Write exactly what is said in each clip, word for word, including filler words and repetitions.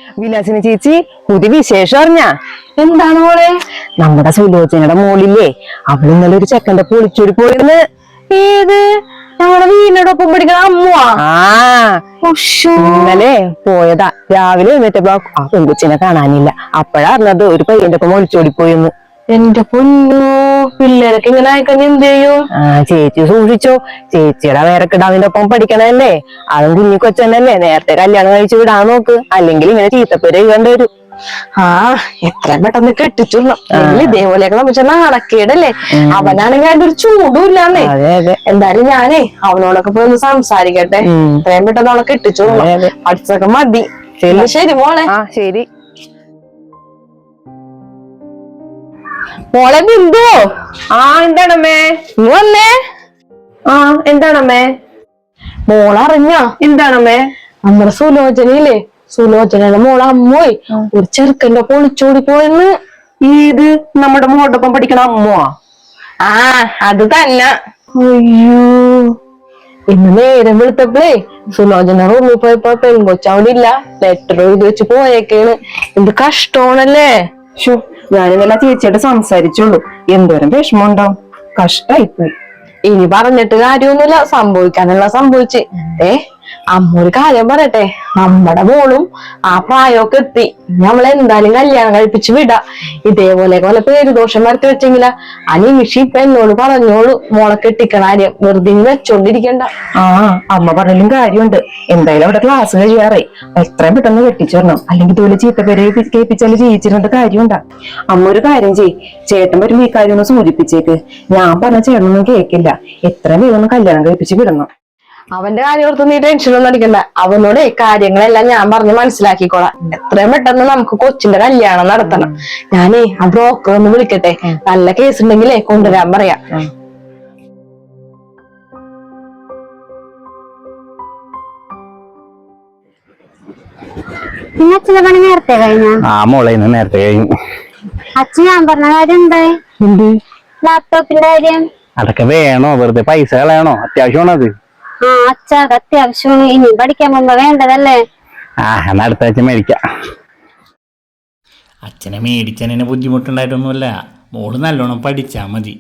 വിലാസിനി ചേച്ചി പുതിയ വിശേഷം അറിഞ്ഞാ? എന്താണ് മോളെ? നമ്മുടെ സുലോചനയുടെ മോളില്ലേ, അവൾ ഇന്നലെ ഒരു ചെക്കന്റെ പൊളിച്ചോടി പോയെന്ന്. ഏത്? ഞങ്ങളുടെ വീടിനോടൊപ്പം പഠിക്കുന്ന അമ്മുവാ? ആ ഇന്നലെ പോയതാ. രാവിലെ എന്നിട്ടപ്പോ ആ പെൺകുച്ചിനെ കാണാനില്ല. അപ്പഴാ അറിഞ്ഞത് ഒരു പയ്യന്റെ ഒപ്പം ഒളിച്ചോടി പോയെന്ന്. എന്റെ പൊന്നു, പിള്ളേരൊക്കെ ഇങ്ങനെ ആയിക്കഴിഞ്ഞ എന്ത് ചെയ്യും? ആ ചേച്ചി സൂക്ഷിച്ചോ. ചേച്ചിയുടെ വേറെ കിടാവിന്റെ ഒപ്പം പഠിക്കണല്ലേ, അതും കുഞ്ഞി കൊച്ചനല്ലേ. നേരത്തെ കല്യാണം കഴിച്ചു വിടാൻ നോക്ക്, അല്ലെങ്കിൽ ഇങ്ങനെ ചീത്തപ്പേര് എഴുതേണ്ടി വരും. ആ എത്രയും പെട്ടെന്ന് കെട്ടിച്ചുള്ളൂ. ഇതേപോലെയൊക്കെ നമുക്ക് നടക്കേടല്ലേ. അവനാണെങ്കിൽ അതിന്റെ ഒരു ചൂടും ഇല്ലാന്നേ. എന്തായാലും ഞാനേ അവനോടൊക്കെ പോയി ഒന്ന് സംസാരിക്കട്ടെ. എത്രയും പെട്ടെന്ന് അവളെ കെട്ടിച്ചുള്ളൂ. പഠിച്ചൊക്കെ മതി. ശരി മോളെ. ആ ശരി മോളെ ബിന്ദു. ആ എന്താണമ്മേ? നീ വന്നേ. ആ എന്താണമ്മേ? മോളറിഞ്ഞോ? എന്താണമ്മേ? നമ്മുടെ സുലോചനയില്ലേ, സുലോചനയുടെ മോളെ അമ്മോയ് ഒരു ചെറുക്കന്റെ ഒപ്പം ഒളിച്ചോടി പോയെന്ന്. ഏത്? നമ്മുടെ മോടൊപ്പം പഠിക്കണ അമ്മോ? ആ അത് തന്നെ. അയ്യോ, ഇന്ന് നേരം വിളിച്ചപ്പോഴേ സുലോചന റൂമിൽ പോയപ്പോ പെൺകൊച്ച അവിടെ ഇല്ല. ലെറ്റർ എഴുതി വെച്ച് പോയേക്കാണ്. എന്ത് കഷ്ടമാണല്ലേ. ഞാനിന്നലെ ചേച്ചിയോട് സംസാരിച്ചുള്ളൂ. എന്തോരം വിഷമം ഉണ്ടാവും. കഷ്ടായിപ്പോയി. ഇനി പറഞ്ഞിട്ട് കാര്യമൊന്നുമില്ല, സംഭവിക്കാനുള്ള സംഭവിച്ച്. ഏ അമ്മ ഒരു കാര്യം പറയട്ടെ, നമ്മുടെ മോളും ആ പ്രായമൊക്കെ എത്തി. നമ്മളെ എന്തായാലും കല്യാണം കഴിപ്പിച്ച് വിടാ. ഇതേപോലെ പോലെ പേരുദോഷം വരത്തി വെച്ചെങ്കില ആ നിമിഷം ഇപ്പൊ എന്നോട് പറഞ്ഞോളൂ മോളെ കെട്ടിക്കണ കാര്യം. വെറുതെ വെച്ചോണ്ടിരിക്കണ്ട. ആ അമ്മ പറഞ്ഞാലും കാര്യമുണ്ട്. എന്തായാലും അവിടെ ക്ലാസ് കഴിയാറായി. എത്രയും പെട്ടെന്ന് കെട്ടിച്ചു വരണം, അല്ലെങ്കിൽ ഇതുപോലെ ചീത്തപ്പേരെ കേൾപ്പിച്ചാല് ജീവിച്ചിരുന്നിട്ട് കാര്യമുണ്ടാ. അമ്മ ഒരു കാര്യം ചെയ്, ചേട്ടൻ വരുമ്പോ ഈ കാര്യം ഒന്ന് സൂചിപ്പിച്ചേക്ക്. ഞാൻ പറഞ്ഞ ചേട്ടനൊന്നും കേൾക്കില്ല. എത്രയും വേഗം കല്യാണം കഴിപ്പിച്ച് വിടണം. അവന്റെ കാര്യം ഓർത്ത് നീ ടെൻഷനൊന്നും അടിക്കണ്ട. അവനോട് കാര്യങ്ങളെല്ലാം ഞാൻ പറഞ്ഞ് മനസ്സിലാക്കിക്കോളാം. എത്രയും പെട്ടെന്ന് നമുക്ക് കൊച്ചിന്റെ കല്യാണം നടത്തണം. ഞാനേ ആ ബ്രോക്കർ ഒന്ന് വിളിക്കട്ടെ. നല്ല കേസ് ഉണ്ടെങ്കിലേ കൊണ്ടുവരാൻ പറയാം. അച്ഛന്റെ പണി നേരത്തെ കഴിഞ്ഞ? ആ മോളെ ഇന്ന് നേരത്തെ കഴിഞ്ഞു. അച്ഛൻ ഞാൻ പറഞ്ഞ കാര്യം എന്തായി? ലാപ്ടോപ്പിന്റെ കാര്യം? അതൊക്കെ വേണോ? വെറുതെ പൈസ കളയണോ? അത്യാവശ്യമാണോ അത്? ആ അച്ഛാ, അത്യാവശ്യമാണ്. ഇനി പഠിക്കാൻ പോകുമ്പോ വേണ്ടതല്ലേ? ആ എന്നാ അടുത്ത ആഴ്ച മേടിക്കാം. അച്ഛനെ മേടിച്ചതിന് ബുദ്ധിമുട്ടുണ്ടായിട്ടൊന്നുമല്ല, മോള് നല്ലോണം പഠിച്ചാ മതി.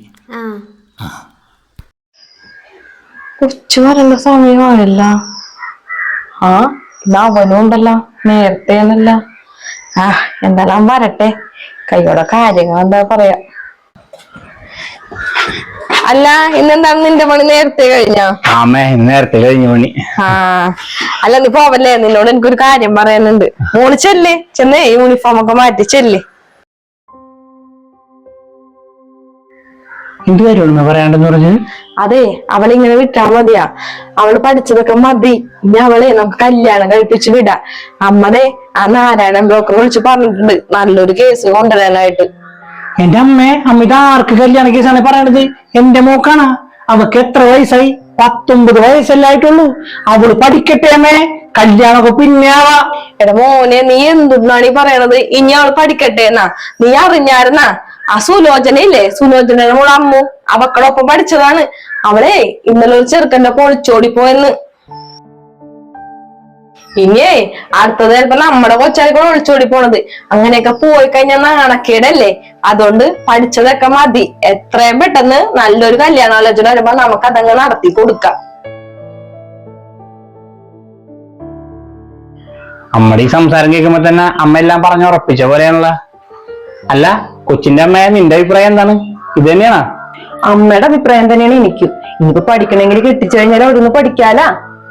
കൊച്ചു വരേണ്ട സമയമായല്ല. ആ ഇന്ന് അവനും ഉണ്ടല്ലോ, നേരത്തെ എന്നല്ല. ആ എന്തായാലും വരട്ടെ, കൈയോടെ കാര്യങ്ങൾ എന്താ പറയാ. അല്ല ഇന്നെന്താണ് നിന്റെ പണി നേരത്തെ കഴിഞ്ഞോ? ആമേ നേരത്തെ കഴിഞ്ഞു പണി. ആ അല്ല നീ പോവല്ലേ, നിന്നോട് എനിക്കൊരു കാര്യം പറയാനുണ്ട്. മോള് ചെല്ലേ, ചെന്നേ യൂണിഫോം ഒക്കെ മാറ്റി ചെല്ലേ. എന്ത് കാര്യമാണ് പറയാണ്ടെന്ന് പറഞ്ഞു? അതെ, അവളിങ്ങനെ വിട്ടാ മതിയാ. അവള് പഠിച്ചതൊക്കെ മതി. ഇനി അവളെ നമുക്ക് കല്യാണം കഴിപ്പിച്ച് വിടാ. അമ്മടെ ആ നാരായണൻ ബ്രോക്കർ വിളിച്ച് പറഞ്ഞിട്ടുണ്ട് നല്ലൊരു കേസ് കൊണ്ടുവരാനായിട്ട്. എന്റെ അമ്മേ, അമ്മ ഇത് ആർക്ക് കല്യാണ കേസാണ് പറയണത്? എന്റെ മോക്കാണ്. അവക്ക് എത്ര വയസ്സായി? പത്തൊമ്പത് വയസ്സല്ലായിട്ടുള്ളൂ. അവള് പഠിക്കട്ടെ അമ്മേ, കല്യാണമൊക്കെ പിന്നെ ആവാ. എടാ മോനെ, നീ എന്തുന്നാണ് ഈ പറയണത്? ഇനി അവള് പഠിക്കട്ടെ എന്നാ? നീ അറിഞ്ഞായിരുന്നാ ആ സുലോചനയില്ലേ, സുലോചനയുടെ മോള് അമ്മു അവക്കളൊപ്പം പഠിച്ചതാണ്. അവളെ ഇന്നലെ ഒരു ചെറുക്കന്റെ പൊളിച്ചോടി പോയെന്ന്. ഇനിയേ അടുത്തത് ചിലപ്പോ നമ്മുടെ കൊച്ചായിരിക്കും ഒളിച്ചോടി പോണത്. അങ്ങനെയൊക്കെ പോയി കഴിഞ്ഞാൽ നാണക്കേടല്ലേ. അതുകൊണ്ട് പഠിച്ചതൊക്കെ മതി. എത്രയും പെട്ടെന്ന് നല്ലൊരു കല്യാണാലോചന വരുമ്പോ നമുക്ക് അതങ്ങ് നടത്തി കൊടുക്കാം. അമ്മയുടെ ഈ സംസാരം കേൾക്കുമ്പോ തന്നെ അമ്മ എല്ലാം പറഞ്ഞുറപ്പിച്ച പോലെയാണല്ലോ. അല്ല കൊച്ചിന്റെ അമ്മ, നിന്റെ അഭിപ്രായം എന്താണ്? ഇത് തന്നെയാണോ? അമ്മയുടെ അഭിപ്രായം തന്നെയാണ് എനിക്കും. ഇനിയിപ്പോ പഠിക്കണമെങ്കിൽ കെട്ടിച്ചു കഴിഞ്ഞാൽ അവിടുന്ന് പഠിക്കാലാ.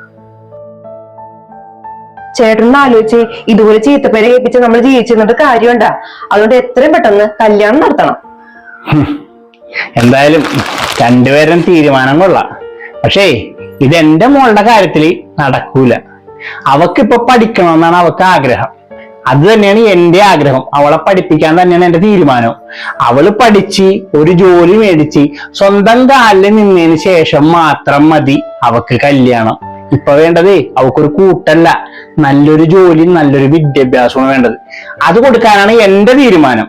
ചേട്ടനൊന്ന് ആലോചിച്ച്, ഇതുപോലെ ചീത്തപ്പേരെ കേൾപ്പിച്ച് നമ്മൾ ജീവിച്ചിരുന്നിട്ട് കാര്യമുണ്ടാ. അതുകൊണ്ട് എത്രയും പെട്ടെന്ന് കല്യാണം നടത്തണം. എന്തായാലും രണ്ടുപേരും തീരുമാനം കൊള്ളാം. പക്ഷേ ഇത് എന്റെ മോളുടെ കാര്യത്തിൽ നടക്കൂല. അവക്കിപ്പൊ പഠിക്കണമെന്നാണ് അവക്ക് ആഗ്രഹം. അത് തന്നെയാണ് എന്റെ ആഗ്രഹം. അവളെ പഠിപ്പിക്കാൻ തന്നെയാണ് എന്റെ തീരുമാനം. അവള് പഠിച്ച് ഒരു ജോലി മേടിച്ച് സ്വന്തം കാലിൽ നിന്നതിന് ശേഷം മാത്രം മതി അവക്ക് കല്യാണം. ഇപ്പൊ വേണ്ടതേ അവക്കൊരു കൂട്ടല്ല, നല്ലൊരു ജോലി, നല്ലൊരു വിദ്യാഭ്യാസമാണ് വേണ്ടത്. അത് കൊടുക്കാനാണ് എന്റെ തീരുമാനം.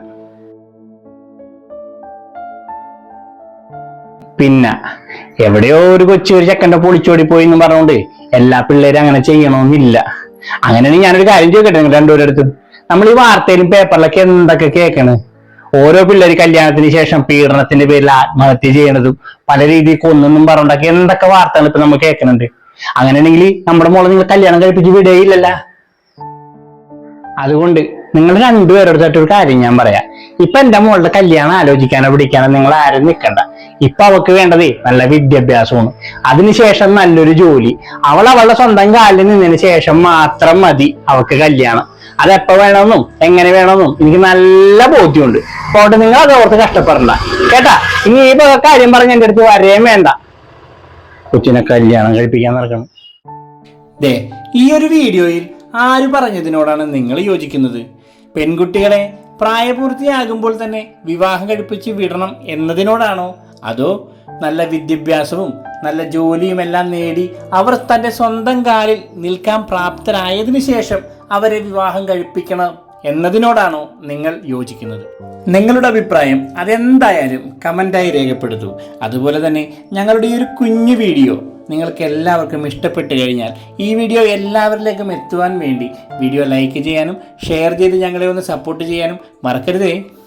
പിന്നെ എവിടെയോ ഒരു കൊച്ചു ഒരു ചെക്കൻ്റെ പൊളിച്ചോടി പോയി എന്ന് പറഞ്ഞുകൊണ്ട് എല്ലാ പിള്ളേരും അങ്ങനെ ചെയ്യണമെന്നില്ല. അങ്ങനെയാണെങ്കിൽ ഞാനൊരു കാര്യം ചോദിക്കട്ടെ നിങ്ങൾ രണ്ടുപേരുടെ അടുത്തും. നമ്മൾ ഈ വാർത്തയിലും പേപ്പറിലൊക്കെ എന്തൊക്കെ കേൾക്കണ്? ഓരോ പിള്ളേര് കല്യാണത്തിന് ശേഷം പീഡനത്തിന്റെ പേരിൽ ആത്മഹത്യ ചെയ്യണതും പല രീതിയിൽ കൊന്നൊന്നും പറഞ്ഞൊക്കെ എന്തൊക്കെ വാർത്തകൾ ഇപ്പൊ നമ്മൾ കേൾക്കുന്നുണ്ട്. അങ്ങനെയാണെങ്കിൽ നമ്മുടെ മോളെ നിങ്ങൾ കല്യാണം കഴിപ്പിച്ച് വിടുകയില്ലല്ല. അതുകൊണ്ട് നിങ്ങൾ രണ്ടുപേരോടത്തായിട്ട് ഒരു കാര്യം ഞാൻ പറയാം. ഇപ്പൊ എന്റെ മോളുടെ കല്യാണം ആലോചിക്കാനോ പിടിക്കാനോ നിങ്ങൾ ആരും നിൽക്കണ്ട. ഇപ്പൊ അവൾക്ക് വേണ്ടതേ നല്ല വിദ്യാഭ്യാസമാണ്, അതിനുശേഷം നല്ലൊരു ജോലി. അവൾ അവളുടെ സ്വന്തം കാലിൽ നിന്നതിന് ശേഷം മാത്രം മതി അവൾക്ക് കല്യാണം. അതെപ്പോ വേണമെന്നും എങ്ങനെ വേണമെന്നും എനിക്ക് നല്ല ബോധ്യമുണ്ട്. അതുകൊണ്ട് നിങ്ങൾ അതോർത്ത് കഷ്ടപ്പെടണ്ട കേട്ടാ. ഇനി ഈ കാര്യം പറഞ്ഞ എന്റെ അടുത്ത് വരെയും വേണ്ട. കൊച്ചിനെ കല്യാണം കഴിപ്പിക്കാൻ നടക്കണം. ദേ, ഈ ഒരു വീഡിയോയിൽ ആര് പറഞ്ഞതിനോടാണ് നിങ്ങൾ യോജിക്കുന്നത്? പെൺകുട്ടികളെ പ്രായപൂർത്തിയാകുമ്പോൾ തന്നെ വിവാഹം കഴിപ്പിച്ച് വിടണം എന്നതിനോടാണോ, അതോ നല്ല വിദ്യാഭ്യാസവും നല്ല ജോലിയും എല്ലാം നേടി അവർ തൻ്റെ സ്വന്തം കാലിൽ നിൽക്കാൻ പ്രാപ്തരായതിനു ശേഷം അവരെ വിവാഹം കഴിപ്പിക്കണം എന്നതിനോടാണോ നിങ്ങൾ യോജിക്കുന്നത്? നിങ്ങളുടെ അഭിപ്രായം അതെന്തായാലും കമൻ്റായി രേഖപ്പെടുത്തൂ. അതുപോലെ തന്നെ ഞങ്ങളുടെ ഈ ഒരു കുഞ്ഞു വീഡിയോ നിങ്ങൾക്ക് എല്ലാവർക്കും ഇഷ്ടപ്പെട്ട് കഴിഞ്ഞാൽ ഈ വീഡിയോ എല്ലാവരിലേക്കും എത്തുവാൻ വേണ്ടി വീഡിയോ ലൈക്ക് ചെയ്യാനും ഷെയർ ചെയ്ത് ഞങ്ങളെ ഒന്ന് സപ്പോർട്ട് ചെയ്യാനും മറക്കരുതേ.